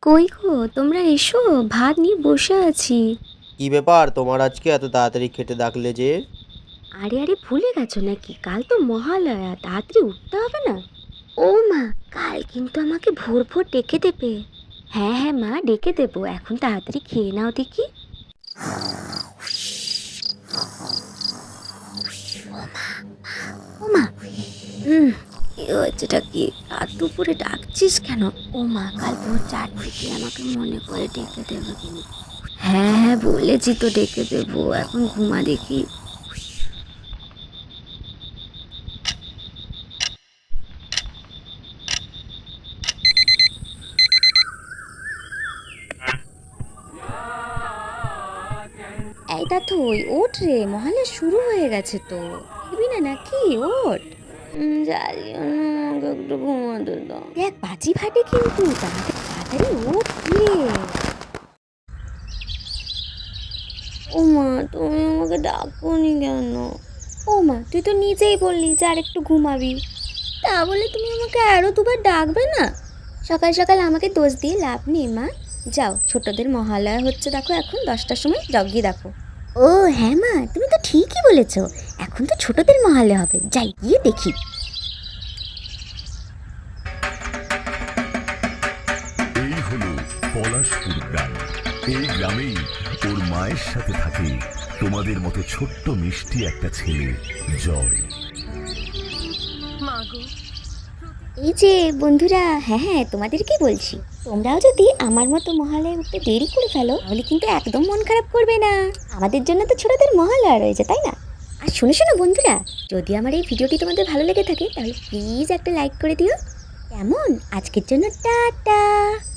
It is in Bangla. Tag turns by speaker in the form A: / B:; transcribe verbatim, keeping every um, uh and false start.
A: কই গো তোমরা এসো, ভাত নিয়ে বসে আছি।
B: কি ব্যাপার তোমার আজকে এত তাড়াতাড়ি খেতে ডাকলে যে?
A: আরে আরে ভুলে গেছো নাকি? কাল তো মহালয়া, তাড়াতাড়ি উঠতে হবে না? ও মা, কাল কিন্তু আমাকে ভোর ভোর ডেকে দেবে। হ্যাঁ হ্যাঁ মা, ডেকে দেবো। এখন তাড়াতাড়ি খেয়ে নাও দেখি। ও মা, হুম, কি হয়েছেটা কি? রাত দুপুরে ডাকছিস কেন? ও মা, কাল ভোর চারটে আমাকে মনে করে ডেকে দেবে কিন্তু। হ্যাঁ হ্যাঁ বলেছি তো ডেকে দেবো, এখন ঘুমা দেখি। এই তা তুই ওঠ রে, মহালয়া শুরু হয়ে গেছে তো। দেখবি না নাকি? ওঠ। উম, জানি না, আমাকে একটু ঘুমাতে দাও। দেখ বাজি ফাটে কিন্তু, তাড়াতাড়ি তাড়াতাড়ি ওঠ রে। ও মা, তুমি আমাকে ডাকোনি কেন? ও মা, তুই তো নিজেই বললি যে আর একটু ঘুমাবি, তা বলে তুমি আমাকে আরো দুবার ডাকবে না? সকাল সকাল আমাকে দোষ দিয়ে লাভ নেই মা। যাও, ছোটদের মহালয়া হচ্ছে দেখো, এখন দশটার সময় যাও গিয়ে দেখো। ও হ্যাঁ মা, তুমি তো ঠিকই বলেছ। এখন তো ছোটদের মহালয়া হবে, যাই গিয়ে দেখি।
C: এই হলো পলাশপুর গ্রাম। এই গ্রামেই ওর মায়ের সাথে থাকে তোমাদের মতো ছোট্ট মিষ্টি একটা ছেলে, জয়।
A: এই যে বন্ধুরা, হ্যাঁ হ্যাঁ তোমাদেরকে বলছি, তোমরাও যদি আমার মতো মহালয়া উঠতে দেরি করে ফেলো তাহলে কিন্তু একদম মন খারাপ করবে না। আমাদের জন্য তো ছোটদের মহালয়া রয়েছে, তাই না? আর শোনো শোনো বন্ধুরা, যদি আমার এই ভিডিওটি তোমাদের ভালো লেগে থাকে তাহলে প্লিজ একটা লাইক করে দিও। কেমন? আজকের জন্য টাটা।